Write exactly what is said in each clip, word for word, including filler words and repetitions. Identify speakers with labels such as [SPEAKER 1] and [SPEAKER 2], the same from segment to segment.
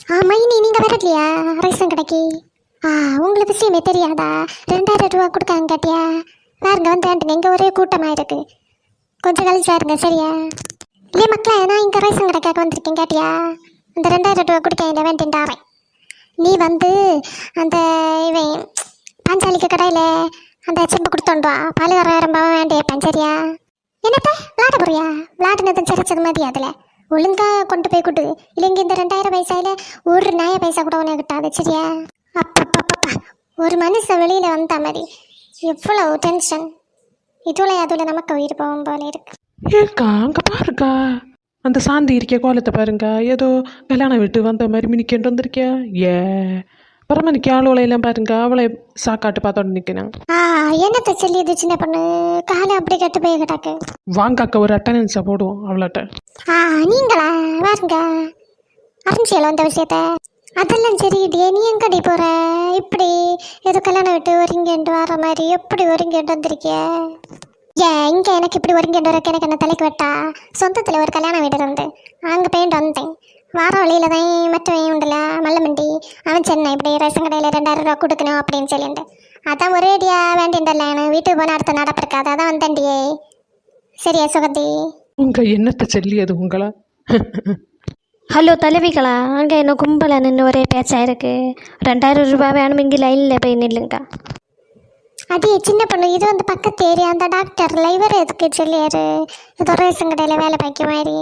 [SPEAKER 1] ஆ மைனி நீங்கள் வரலையா ரேஷன் கடைக்கு? ஆ உங்களுக்கு விஷயமே தெரியாதா? ரெண்டாயிரம் ரூபா கொடுக்காங்க கேட்டியா? பாருங்க வந்து வேண்டுங்க, இங்கே ஒரே கூட்டமாக இருக்கு. கொஞ்சம் கழிச்சு பாருங்க சரியா? இல்லையே மக்களே, நான் இங்கே ரேஷன் கடைக்காக வந்திருக்கேன் கேட்டியா? அந்த ரெண்டாயிரம் ரூபா கொடுக்க இந்த வேண்டின்றாரேன். நீ வந்து அந்த இவன் பாஞ்சாலிக்கு கடையில் அந்த செம்பு கொடுத்தோண்டு வா, பால் வர ரொம்ப வேண்டியப்பேன் சரியா? என்னப்பா விளாட போறியா? விளாடுனதும் சிரிச்சது மாதிரி அதில் ஒழுங்கா கொண்டு போய் கொடு. இல்லைங்க இந்த ரெண்டாயிரம் பைசாயில ஒரு நாய பைசா கூட உனக்கு கிட்டாது சரியா? அப்பப்பப்பப்பா, ஒரு மனுஷன் வெளியில் வந்த மாதிரி எவ்வளவு டென்ஷன். இதுல அதுல நமக்கு உயிர் போகும் போல இருக்கு.
[SPEAKER 2] ஏக்கா அங்கே பாருக்கா, அந்த சாந்தி இருக்கிய கோலத்தை பாருங்க, ஏதோ கல்யாணம் விட்டு வந்த மாதிரி மினிக்கேண்டு வந்திருக்கியா. ஏ பரம நிற்க ஆளுவளையெல்லாம் பாருங்க, அவளை சாக்காட்டு பார்த்தோன்னு நிற்கணும்.
[SPEAKER 1] ஆ என்னத்தை சொல்லியது சின்ன பொண்ணு, காலை அப்படி கட்டு போய் கிட்டாக்கு.
[SPEAKER 2] வாங்காக்க ஒரு அட்டண்டன்ஸை போடுவோம் அவளாட்ட.
[SPEAKER 1] ஆ நீங்களா பாருங்க அறிஞ்சியல அந்த விஷயத்த. அதெல்லாம் சரி இடியே, நீ எங்கடி போற இப்படி ஏதோ கல்யாணம் விட்டு ஒருங்கேண்டு வர மாதிரி எப்படி ஒருங்கேண்டு வந்திருக்கிய? ஏன் இங்கே எனக்கு இப்படி ஒருங்கேண்டு வரக்கு எனக்கு என்ன தலைக்கு வெட்டா? சொந்தத்தில் ஒரு கல்யாணம் வீடு இருந்து அங்கே போயிட்டு வந்தேன். வார வழியில் தான் மற்றவன் உண்டுல மல்லமண்டி, அவன் சென்னை இப்படி ரேஷன் கடையில் ரெண்டாயிரம் ரூபா கொடுக்கணும் அப்படின்னு சொல்லிட்டு அதான் ஒரேடியா வேண்டின்றல எனக்கு வீட்டுக்கு போன அடுத்த நடப்பிருக்காது, அதான் வந்தேன்டியே. சரியா சுகந்தி?
[SPEAKER 2] உங்க என்னத்தை சொல்லியது உங்களா?
[SPEAKER 3] ஹலோ தலைவிகளா, அங்கே என்ன கும்பலை நின்று ஒரே பேச்சாக இருக்குது. ரெண்டாயிரம் ரூபாய் வேணும், இங்கே லைனில் போய் நில்லுங்க.
[SPEAKER 1] அதே சின்ன பொண்ணு, இது வந்து பக்கத்து ஏரியா, அந்த டாக்டர் இவர் எதுக்கு சொல்லியாரு ஏதோ ரேஷன் கடையில் வேலை பார்க்க மாதிரி.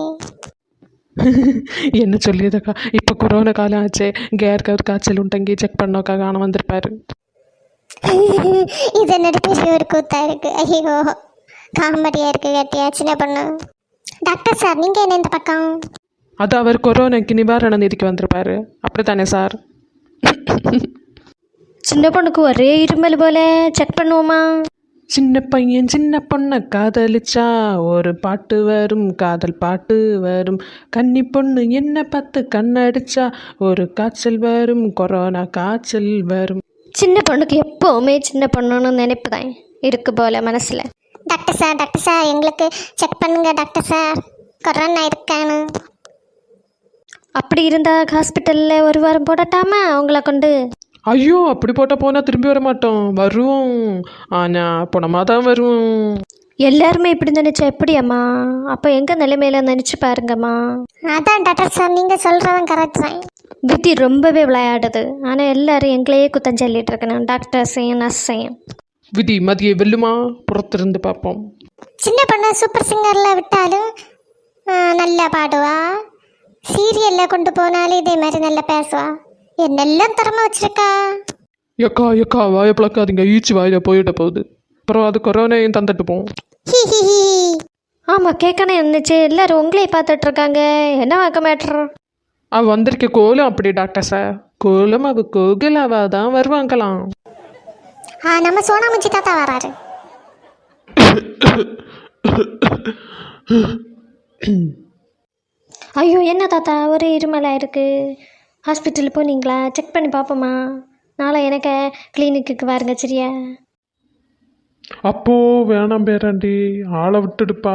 [SPEAKER 2] என்ன சொல்லியதுக்கா, இப்போ கொரோனா காலம் ஆச்சு, இங்கே யாருக்காவது காய்ச்சல் உண்டங்கி செக் பண்ணோக்கா காண வந்திருப்பாரு.
[SPEAKER 1] இது என்னோட பெரிய ஒரு கூத்தா இருக்கு. ஐயோ காமெடியா இருக்கு கேட்டியா சின்ன பொண்ணு? டாக்டர் சார் நீங்க என்ன இந்த பக்கம்?
[SPEAKER 2] அது அவர் கொரோனாக்கு நிவாரண நிதிக்கு வந்திருப்பாரு, அப்படித்தானே சார்?
[SPEAKER 3] சின்ன பொண்ணுக்கு ஒரே இருமல் போல, செக் பண்ணுவோமா?
[SPEAKER 2] சின்ன பையன் சின்ன பொண்ணை காதலிச்சா ஒரு பாட்டு வரும், காதல் பாட்டு வரும். கன்னி பொண்ணு என்ன பார்த்து கண்ணடிச்சா ஒரு காய்ச்சல் வரும், கொரோனா காய்ச்சல் வரும்.
[SPEAKER 3] சின்ன பொண்ணுக்கு எப்போவுமே சின்ன பொண்ணுன்னு நினைப்பு தான் இருக்கு போல மனசில்.
[SPEAKER 1] டாக்டர் சார் டாக்டர் சார் எங்களுக்கு செக் பண்ணுங்க டாக்டர் சார், கொரோனா இருக்கான்னு.
[SPEAKER 3] அப்படி இருந்தால் ஹாஸ்பிட்டலில் ஒரு வாரம் போடட்டாமா அவங்கள கொண்டு?
[SPEAKER 2] ஐயோ அப்படி போட்டால் போனால் திரும்பி வர மாட்டோம், வருவோம். ஆனால் போனமாக தான் வருவோம்.
[SPEAKER 3] எல்லாருமே இப்படி நினச்சா எப்படி அம்மா? அப்போ எங்கள் நிலைமையில நினச்சி பாருங்கம்மா.
[SPEAKER 1] அதான் டாக்டர் சார் நீங்கள் சொல்கிறவன் கரெக்ட் தான்.
[SPEAKER 3] விதி ரொம்பவே விளையாடுது, ஆனால் எல்லாரும் எங்களையே குத்தம் சொல்லிட்டு இருக்கணும், டாக்டர்ஸையும் நர்ஸையும்.
[SPEAKER 2] விதி மதியை வெல்லுமா? புறத்திருந்து பார்ப்போம்.
[SPEAKER 1] சின்ன பொண்ணு சூப்பர் சிங்கரில் விட்டாலும் நல்லா பாடுவா, சீரியலில் கொண்டு போனாலும் இதே மாதிரி நல்லா பேசுவா, என்னெல்லாம் திறமை வச்சிருக்கா.
[SPEAKER 2] எக்கா எக்கா வாயை பழக்காதீங்க, ஈச்சி வாயில போயிட போகுது, அப்புறம் அது கொரோனையும் தந்துட்டு போவோம்.
[SPEAKER 1] ஹி ஹி ஹி.
[SPEAKER 3] ஆமாம் கேட்கணும் இருந்துச்சு, எல்லாரும் உங்களே பார்த்துட்டு இருக்காங்க, என்ன வாக்க மேட்ரு?
[SPEAKER 2] அவ வந்திருக்க கோலம் அப்படி டாக்டர் சார், கோலம் அவ கோகிலாவா தான் வருவாங்களாம்.
[SPEAKER 1] ஆ நம்ம சோனாமஞ்சி தாத்தா வராரு.
[SPEAKER 3] ஐயோ என்ன தாத்தா ஒரே இருமலாக இருக்குது, ஹாஸ்பிட்டல் போனீங்களா? செக் பண்ணி பார்ப்போமா? நாளை எனக்கு கிளினிக்கு வாருங்க சரியா?
[SPEAKER 2] அப்போ வேணாம் பேராண்டி, ஆளை விட்டுடுப்பா.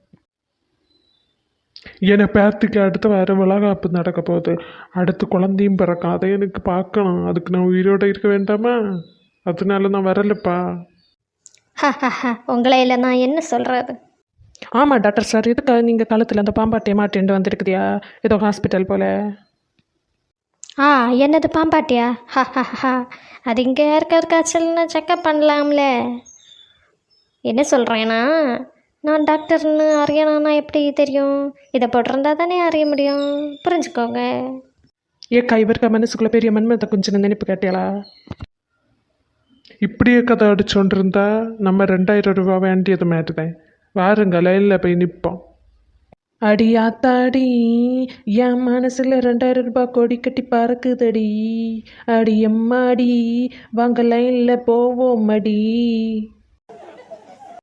[SPEAKER 2] என்னை பேத்துக்கு அடுத்து வேறு விலகாப்பு நடக்க போகுது, அடுத்து குழந்தையும் பிறக்கும், அதை எனக்கு பார்க்கணும், அதுக்கு நான் உயிரோடு இருக்க வேண்டாமா? அதனால நான் வரலப்பா.
[SPEAKER 3] ஹா ஹா ஹா, உங்களை இல்லை நான் என்ன சொல்கிறது?
[SPEAKER 2] ஆமாம் டாக்டர் சார், எதுக்காக நீங்கள் காலத்தில் அந்த பாம்பாட்டியை மாட்டின்னு வந்திருக்குதியா ஏதோ ஹாஸ்பிட்டல் போல்?
[SPEAKER 3] ஆ என்னது பாம்பாட்டியா? ஹா ஹா ஹா, அது இங்கே யாருக்காரு காய்ச்சல்னு செக்கப் பண்ணலாம்ல. என்ன சொல்கிறேன்னா, நான் டாக்டர்னு அறியணும்னா எப்படி தெரியும்? இதை போட்டிருந்தா தானே அறிய முடியும், புரிஞ்சுக்கோங்க.
[SPEAKER 2] ஏக்கா இவருக்கா மனசுக்குள்ளே பெரிய மன்மத்தை கொஞ்சம் நினைப்பு கேட்டியாளா? இப்படியே கதை அடிச்சோண்டு இருந்தா நம்ம ரெண்டாயிரம் ரூபா வேண்டியது மாட்டுதான், வாருங்க லைனில் போய் நிற்போம். அடியாத்தாடி என் மனசில் ரெண்டாயிரம் ரூபாய் கொடி கட்டி பறக்குதடி, அடி எம்மாடி வாங்க லைனில் போவோம் அடி.